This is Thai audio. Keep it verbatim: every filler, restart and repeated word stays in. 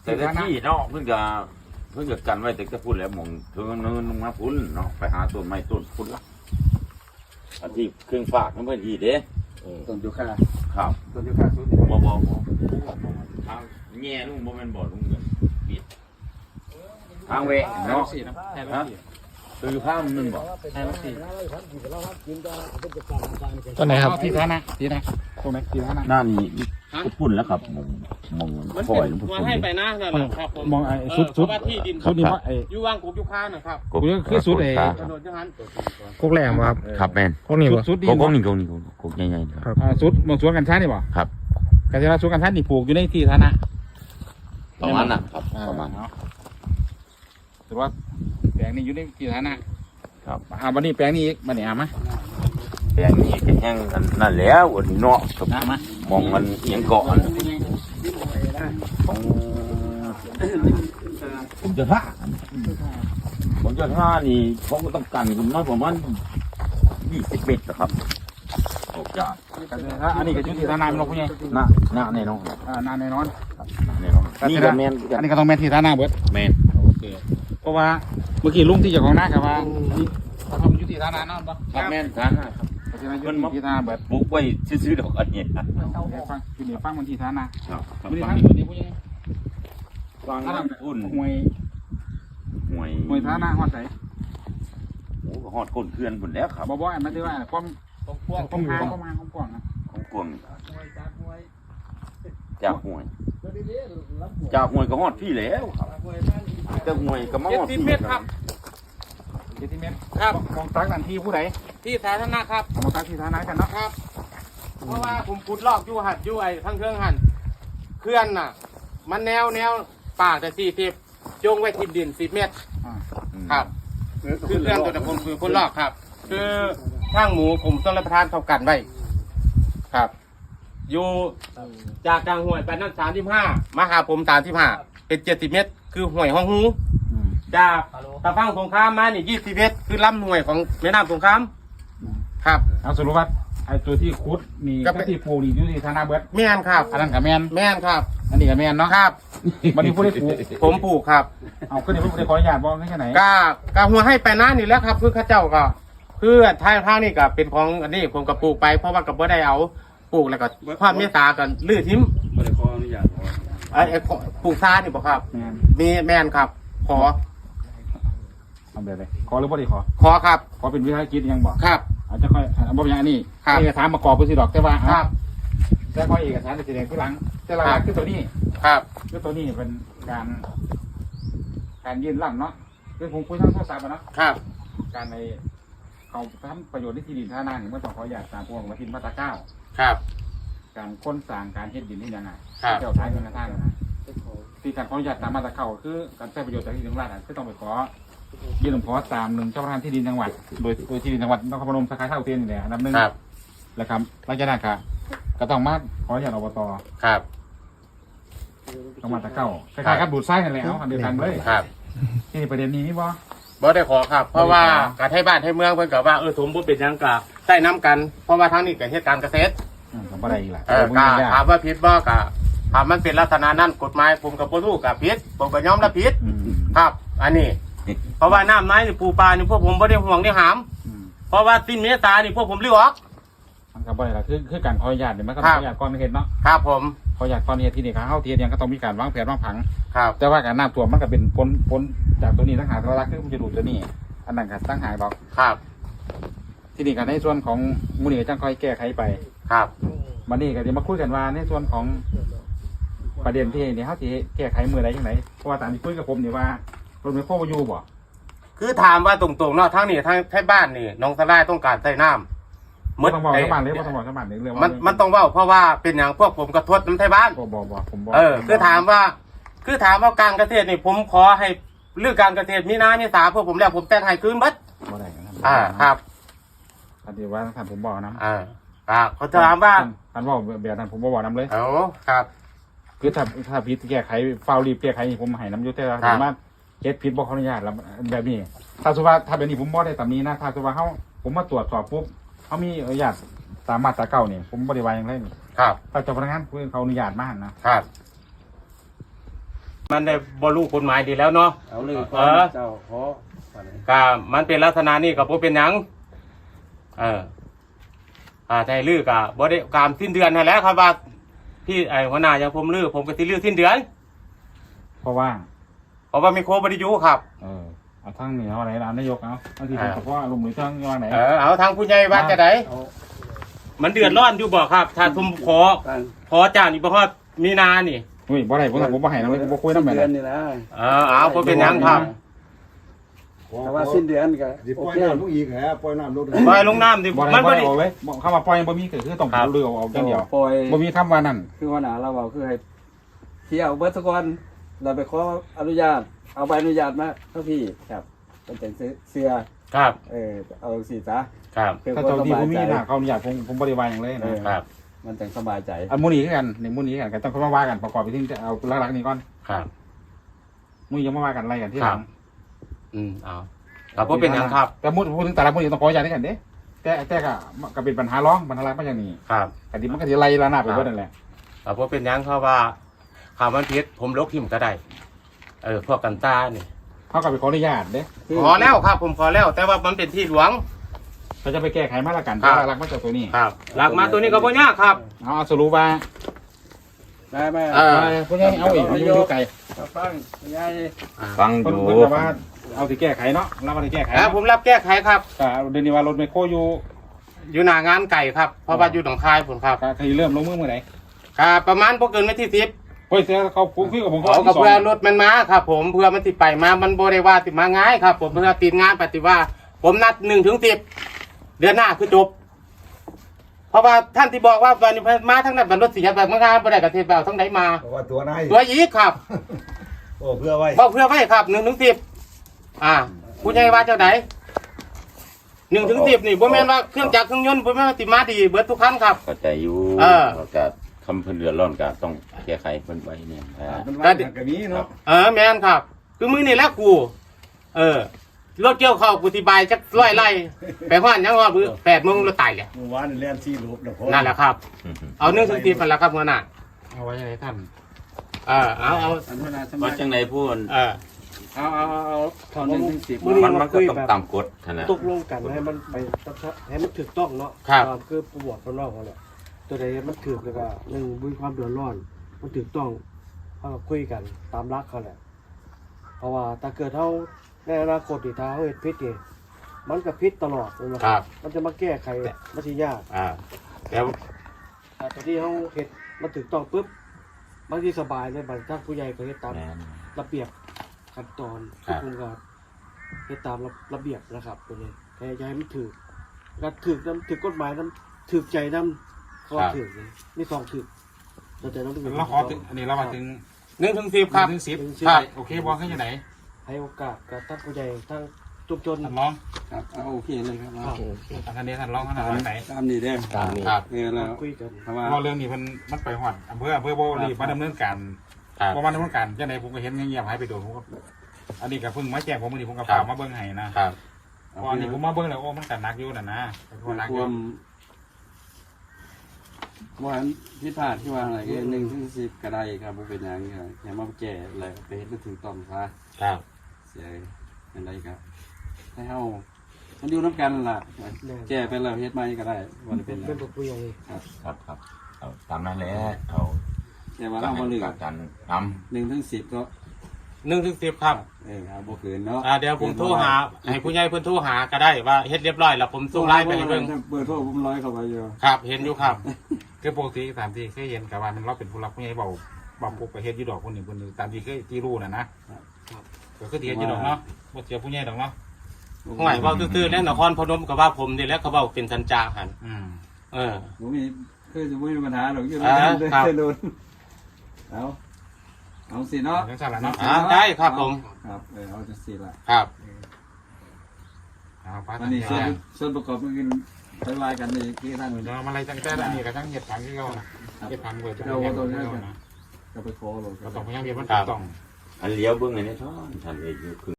แต่ที่เนาะเพิ่งจะเพิ่งจะกันไว้แต่จะพูดแล้วมองเธอเนินลงมาพุ่นเนาะไปหาต้นไม้ต้นพุ่นละอันที่เครื่องฝากนั่นเพื่อนที่เด้ต้นยูคาครับต้นยูคาสุดบ่บ่บ่ทางแง่ลุงบ่แม่นบ่ลุงเงินปิดทางเวะเนาะสี่นะแค่ฮะคือข้ามนึงบ่แค่สี่ต้นไหนครับที่ท่านะที่นะตรงไหนที่ท่านะหน้านี้ก็พุ่นแล้วครับมองมองมันปล่เป็อยนลงพุ่นว่าให้ไปหน้านั่นแหละครับผมมองไอ้สุดสุดเพราะว่าที่ดินเขาดีว่าไอ้อยู่ว่างกุบอยู่ข้างนะครับคือสุดไอ้ถนนจังหันพวกแหลมบ่ครับครับแม่นพวกนี้บ่สุดดีโกกนี่โกนี่โกกใหญ่ๆครับอ่าสุดมองสวนกันช้านี่บ่ครับกันช้าสวนกันช้านี่ปลูกอยู่ในที่ท่านะประมาณน่ะครับประมาณเนาะถือว่าแปลงนี้อยู่ในที่ท่านะครับ อ่าวันนี้แปลงนี้อีกมาเนี่ยมาแปลงนี้ก็แห้งกันนั่นแล้ววันนี้เนาะครับนะมามองมันเอียงเกาะอันของผมจะท่าผมจะท่านี่เขาก็ต้องกันคุณน้อยประมาณยี่สิบเมตรนะครับโอ้ยอันนี้ก็อยู่ที่ท่านาเป็นนกผู้ใหญ่หน้าหน้าแน่นอนอ่านานแน่นอนแน่นอนนี่ก็แมนอันนี้ก็ต้องแม่นที่ท่านาเบิดแมนโอเคเพราะว่าเมื่อกี้ลุงที่เจ้าของนาครับว่านี่เขาทำอยู่ที่ท่านาเนาะบ่ครับแมนท่าครับเพราะฉะนั้นอยู่ที่ท่านาเบิดปลูกไว้ซื้อๆดอกอันนี้ครับเดี๋ยวฟังอยู่นี่ฟังมันที่ท่านาครับไม่ได้ฟัฟังงอยู่นี่ผู้ใหญ่ฟังท่านาอุ่นห่วยห่วยห่วยท่านาฮอดไสโอ้หอดก้นเพื่อนหมดแล้วครับบ่บ่อันมันที่ว่าความตรงพวกความหาความหาความกว้างนะของกวงจากห่วยจากห่วยก็หอดพี่แล้วครับแต่ห่วยก็มาเจ็ดหอดสิบพี่เมตรครับเจ็ดสิบเมตรครับมองตักนั่นที่ผู้ใดที่สาธารณะครับมองตักที่ท่านากันเนาะครับ เพราะว่าผมขุดลอกอยู่หัดอยู่ไอ้ทั้งเครื่องหันเคลื่อนน่ะ มันแนวแนวป่าแต่สี่สิบจงไว้ทิมดินสิบเมตรอ่าครับ คือเครื่องตัวนี้ผมคือคนลอกครับ คือช่างหมูผมต้องรับประทานเท่ากันไว้ครับ อยู่จากกลางห้วยไปนั่นสามสิบห้ามาหาผมสามสิบห้าเป็นเจ็ดสิบเมตร คือห้วยห้องหูอืมจากตะพังสงครามมานี่ยี่สิบเมตร คือลำห้วยของแม่น้ำสงครามครับเอาสรุปว่าไอ้ตัวที่คุดนี่ก็ก็เป็นที่ปลูกนี่อยู่ที่ท่านาเบิดแม่นครับอันนั้นกับแมนแม่นครับอันนี้กับแมนเนาะครับวันนี้ผู้ได้ปลูกผมปลูกครับเอาขึ้นในผู้ได้ขออนุญาตบอกแค่ไหนกากาหัวให้ไปนั่นนี่แหล้วครับ คือเข้าเจ้าก็คือทางทางนี่ก็เป็นของอันนี้ผมก็ปลูกไปเพราะว่าก็บ่ได้เอาปลูกแล้วก็ความเมตตากันลื้อทิ้มไม่ได้ขออนุญาตไอ้ไอ้ปลูกซ่านี่บ่ครับแมนมีแม่นครับ ขอเอาแบบเลยขอหรือบ่ได้ขอขอครับขอเป็นวิธีกิจยังบอกครับอาจจะค่อยอ่ะบอกอย่างอันนี้ครับเอกสารประกอบไปสิดอกแต่ว่าครับแต่พอเอกสารจะแสดงที่หลังแต่ละครับคือตัวนี้ครับคือตัวนี้เป็นการ การยื่นร่ำเนาะคือผมคุยทางโทรศัพท์อะเนาะครับการในเขาทำประโยชน์ในที่ดินท่านาเนี่ยมันต้องขออนุญาตตามพวกมาทินมาตราเก้าครับการค้นสร้างการเฮ็ดดินที่ยังไงครับเจ้าท้ายเงินกระทั่งนะที่การขออนุญาตตามมาตราเก้าคือการใช้ประโยชน์จากที่ดินของรัฐอะคือต้องไปขอยื่นขอตามหนึ่งเจ้าพนักงานที่ดินจังหวัดโดยโดยที่ดินจังหวัดนครพนมสาขาเท่าเทียนนี่แหละอันดับหนึ่งครับแล้วครับหลังจากนั้นก็ก็ต้องมาขออนุญาตอบตครับต้องมาตราเก้าคล้ายๆกับดูดไส้นั่นแหละเอาอันเดียวกันเลยครับที่นี่ประเด็นนี้นี่บ่บ่ได้ขอครับ เพราะว่าการให้บ้านให้เมืองเพิ่นก็ว่าเออสมบูรณ์เป็นหยังกะใต้น้ำกัน เพราะว่าทางนี้ก็เฮ็ดการเกษตรอืมก็บ่ได้อีกละเออบ่ก็มีญาถามติว่าผิดบ่ก็ถามมันเป็นลักษณะนั้นกฎหมายผมก็บ่รู้ก็ผิดผมก็ยอมรับผิดอืมครับ อันนี้ เพราะว่าน้ำไม้นี่ปูปลานี่พวกผมบ่ได้ห่วงได้หามอืมเพราะว่าสิ้นเมษานี่พวกผมลื้อออกมันก็บ่ได้ละคือคือการขออนุญาตเนี่ยมันก็คขรัอบ อนุญาตก่อนเฮ็ดเนาะครับผมขออนุญาตก่อนเฮ็ดที่นี่ครับเฮาเทียนยังก็ต้องมีการวางแผนวางผังครับแต่ว่าการน้ำท่วมมันก็เป็นผลผลจากตัวนี้ต่างหากตัวละคือมันจะดูดตัวนี้ อันนั้นก็ต่างหากดอกครับที่นี่ก็ในส่วนของมูลนิธิจังค่อยแก้ไขไปครับวันนี้ก็จะมาคุยกันว่าในส่วนของประเด็นที่นี่เฮาสิแก้ไขมือใดจังไดเพราะว่าตามที่คุยกับผมนี่ว่ารถไฟฟ้าบ่อยู่บ่คือถามว่าตรงๆเนาะทางนี้ทางไทยบ้านนี่น้องสลายต้องการใส่น้ำบ่ต้องบอกชาวบ้านเลยบ่ต้องบอกชาวบ้านเลยเรื่องว่ามันมันต้องเว้าเพราะว่าเป็นอย่างพวกผมกระทบน้ำไทยบ้านบ่บ่บ่ผมบ่เออคือถามว่า คือถามว่าการเกษตรนี่ผมขอให้เรื่องการเกษตรมีนามีสาพวกผมแล้วผมแต่งให้คืนบัดบ่ได้นะครับอ่าครับอันนี้ว่าท่านผมบอกนะอ่าอ่าเขาถามว่าท่านบอกแบบนั้นผมบ่บอกนํเลยโอ้ครับคือถ้าถ้าผิดแก้ไขเฝ้ารีบแก้ไขนี่ผมให้น้ำอยุติแต่ว่าครับสามารถเฮ็ดผิดบ่ขออนุญาตแล้วแบบนี้ ถ้าสมมุติว่าถ้าแบบนี้ผมบ่ได้ตามนี้นะถ้าสมมุติว่าเฮาผมมาตรวจสอบปุ๊บเฮามีอนุญาตตามมาตราเก้านี่ผมบ่ได้ว่าหยังเลยนี่ครับถ้าเจ้าพนักงานเพิ่นเขาอนุญาตมาหั่นนะครับมันได้บรรลุกฎหมายดีแล้วเนาะเอาเลยเออเจ้าขอว่าไหนก็มันเป็นลักษณะนี้กับบ่เป็นหยังเอออ่าไทยลือกับบ่ได้การสิ้นเดือนนั่นแหละครับว่าพี่ไอ้หัวหน้าอย่างผมลือผมก็สิลือสิ้นเดือนเพราะว่าเพราะว่ามีโคบริยุครับเออเอาทั้งนี่เอาอะไรเอานายกเอาบางทีผมก็ว่าลงมือทั้งยังไงไหนเออเอาทางผู้ใหญ่ว่าจะไดเอามันเดือดร้อนอยู่บ่ครับ ถ้าทุมขอการขอจ้างนี่บ่ฮอดมีนานี่เฮ้ยบ่ได้ผมผมบ่ให้นะผมบ่คุยนำแม่สิ้นเดือนนะนี่นะเออเอาบ่เป็นหยังครับแต่ว่าสิ้นเดือนก็สิปโอล่อยเคน้ำลงอีกเหรอปล่อยน้ำลงปล่อยลงน้ำดิบ่ได้มันบ่บ่ได้ได้เอาไว้เข้ามาปล่อยบ่มีคือคือต้องเรือเอาอย่างเดียวปล่อยบ่มีคำว่านั่นคือว่าหนาเราบอกคือให้เที่ยวเบิร์ตกอนเราไปขออนุญาต เอาใบอนุญาตมาเท่าพี่ครับเป็นแต่งเสื้อครับเออเอาสีซะครับเพื่อถ้าความเจ้าสที่บายผมมีใจหน้าเขาอนุญาตผมผมบ่ได้ว่าหยังเลยนะครับมันแต่งสบายใจอันมูนี้คือกันในมูนี้คือกันก็ต้องเข้ามาว่ากันประกอบไปที่เอาหลักๆนี้ก่อนครับมูยังมาว่ากันอะไรกันที่หลังอืมเอาครับบ่เป็นหยังครับแต่มูพูดถึงแต่ละมูนี่ต้องขออนุญาตด้วยกันเด้แต่แต่ก็ก็เป็นปัญหาร้องปัญหาร้องมาอย่างนี้ครับกติมันก็สิไล่ระนาบไปเบิดนั่นแหละครับบ่เป็นหยังเพราะว่าข่าวมันผิดผมลบทิมก็ได้ เออพวกกันตานี่เขาก็ไปขออนุญาตเด้ขอแล้วครับ ผมขอแล้ว แต่ว่ามันเป็นที่หลวงเขาจะไปแก้ไขมาตรการครับหลักๆมาจากตัวนี้ครับหลักมาตัวนี้ก็บ่ยากครับเอาสรุปว่าได้ไหมเออพวกนี้เอาอีกมันอยู่ไกลฟังยายฟังอคนยู่คนแบบว่าเอาที่แก้ไขเนาะเราก็ได้แก้ไขแล้วผมรับแก้ไขครับก็เดือนนี้ว่ารถไมโครอยู่อยู่หน้างานไก่ครับ เพราะว่าอยู่หนองคายผมครับก็คือเริ่มลงมือเมื่อไหร่ครับประมาณบ่เกินวันที่สิบเฮ้ยเสือเขาคุยกับผมขอกับเพื่อรถมันมาครับ ผมเพื่อมันสิไปมามันบ่ได้ว่าสิมาง่ายครับ ผมเพื่อติดงานปฏิว่า ผมนัดหนึ่งถึงสิบเดือนหน้าคือจบ เพราะว่าท่านที่บอกว่าวันนี้มาทั้งนั้นเป็นรถเสียแบบมางานบ่ได้กับเทศแบบทั้งไหนมาเพราะว่าตัวนายตัวอีกครับโอ้เพื่อไว้บอกเพื่อไว้ครับหนึ่งถึงสิบอ่าผู้ใหญ่ว่าเจ้าไหนหนึ่งถึงสิบนี่บ่แม่นว่าเครื่องจักรเครื่องยนต์บ่แม่นว่าสิมาดีเบิดทุกคันครับเข้าใจอยู่เออแล้วก็คำเพิ่นเดือดร้อนก็ต้องแก้ไขเพิ่นไว้เนี่ยอ่ามันว่ากันนี้เนาะเออแม่นครับ คือมือนี่แหละกู เออรถเกี่ยวเข้าวกูสิบายจักร้อยไร่ไปฮอดยังฮอดมื้อแปดโมงรถตายแหละเมื่อวานนี่แล่นซี่รูปนะพ่อนั่นแหละครับ เอาหนึ่งถึงสิบนั่นแหละครับหัวหน้าเอาไว้ให้ท่านเออเอาเอาอันเวลาสบาว่าย จังไดพูดเออเอาเอาเอาเอาถอนหนึ่งถึงสิบมันมันก็ต้องตามกฎนั่นแหละตกลงกันให้มันไปให้มันถูกต้องเนาะครับตามคือประวัติคนนอกเขาแหละตัวใดมันถูกแล้วก็หนึ่งมีความเดือดร้อน มันถูกต้องเขาก็คุยกันตามรักเขาแหละ เพราะว่าถ้าเกิดเขาในอนาคตที่ถ้าเขาเห็นพิษนี่มันก็พิษตลอดเลยนะครับ มันจะมาแก้ไขมันจะยากอ่าแล้วแต่ตอนที่เขาเห็นมันถูกต้องปุ๊บบางทีสบายเลยบางท่านผู้ใหญ่ก็เฮ็ดตามแม่นระเบียบขั้นตอนครัทุกบคนก็เฮ็ดตามระระเบียบนะครับตัวนี้แค่อย้ายมันถือการถือน้ำถือกฎหมายน้ำถือใจน้ำคอถือนี่มีสองถือแต่ใจน้ำถือเราขอถึงอันนี้เรามาถึงหนึ่งถึงสิบครับถึงสิบครับโอเคบอกให้ยังไงให้โอกาสกับท่านผู้ใหญ่ทั้งชุมชนท่านร้องครับเอาโอเคเลยครับครับท่านนี้ท่านร้องท่านอะไรไหนตามนี้เด้อตามนี้ครับเออแล้วคุยกันเพราะว่าเพราะเรื่องนี้มันมันไปหอดอำเภออำเภอโบรีมาดำเนินการครับเพราะมาดำเนินการยังไงผมก็เห็นเงียบๆหายไปโดนผมก็อันนี้ก็เพิ่งมาแจ้งผมวันนี้ผมก็ฝากมาเบิ้งให้นะครับ เพราะอันนี้ผมมาเบิ้งแล้วโอ้มันกันนักอยู่น่ะนะเพราะนักอคยู่วามว่าที่ผ่านที่ว่าอะไรก็หนึ่งถึงสิบก็ได้ครับบ่เป็นหยังครับอย่ามาแก้อะไรไปเฮ็ดมันถูกต้องซะครับเสียเป็นไรครับให้เฮามันอยู่น้ำกันล่ะแก้ไปแล้วเฮ็ดใหม่ก็ได้บ่ได้เป็นหยัเป็นงบทผู้ใหญ่ครับครับเอาตามนั้นแหละเอาแต่ว่าเราบ่ลืมกันนำหนึ่งถึงสิบก็หนึ่งถึงสิบครับเออเอาบ่เกินเนาะอ่าเดี๋ยวผมโทรหาให้ผู้ใหญ่เพิ่นโทรหาก็ได้ว่าเฮ็ดเรียบร้อยแล้วผมส่งไลน์ไปให้เบิ่งเบอร์โทรผมร้อยเข้าไปอยู่ครับ เห็นอยู่ครับคือปกติตามที่เคยเห็นกับว่ามันเราเป็นผู้รับผู้ใหญ่เบาเบาพวกไปเฮ็ดอยี่ดอกคนหนึ่งคนหนึ่งตามที่เคยที่รู้น่ะนะก็คือที่เฮ็ดอยี่ดอกเนาะบ่เสียผู้ใหญ่ดอกเนาะห่วยเว้าซื่อๆแล้วนครพนมก็ว่าผมนี่แหล้วเขาเว้าเป็นสัญจาหันอืมเออผมมีคือจะไม่มีปัญหาหรอกอยู่อ่าด้วยครับกันโดนเอาเอาสิเนาะจังซั่นล่ะเนาะอ่าได้ครับผมครับเออเอาจังสิล่ะครับเอาไปวันนี้ส่วนส่วนประกอบมันกินไปวายกันนี่ที่ท่านเดี๋ยวมาอะไรจังแต่อันนี้ก็จังเฮ็ดผังที่เขาน่ะเฮ็ดผังเบิดจะเราเฮ็ดตัวผังนี้ที่เขาน่ะก็ไปขอหรอกก็ต้องพยายามเฮ็ดมันถูกต้องอันเลี้ยวเบิ่งอันนี้ท่อนท่านเอกอยู่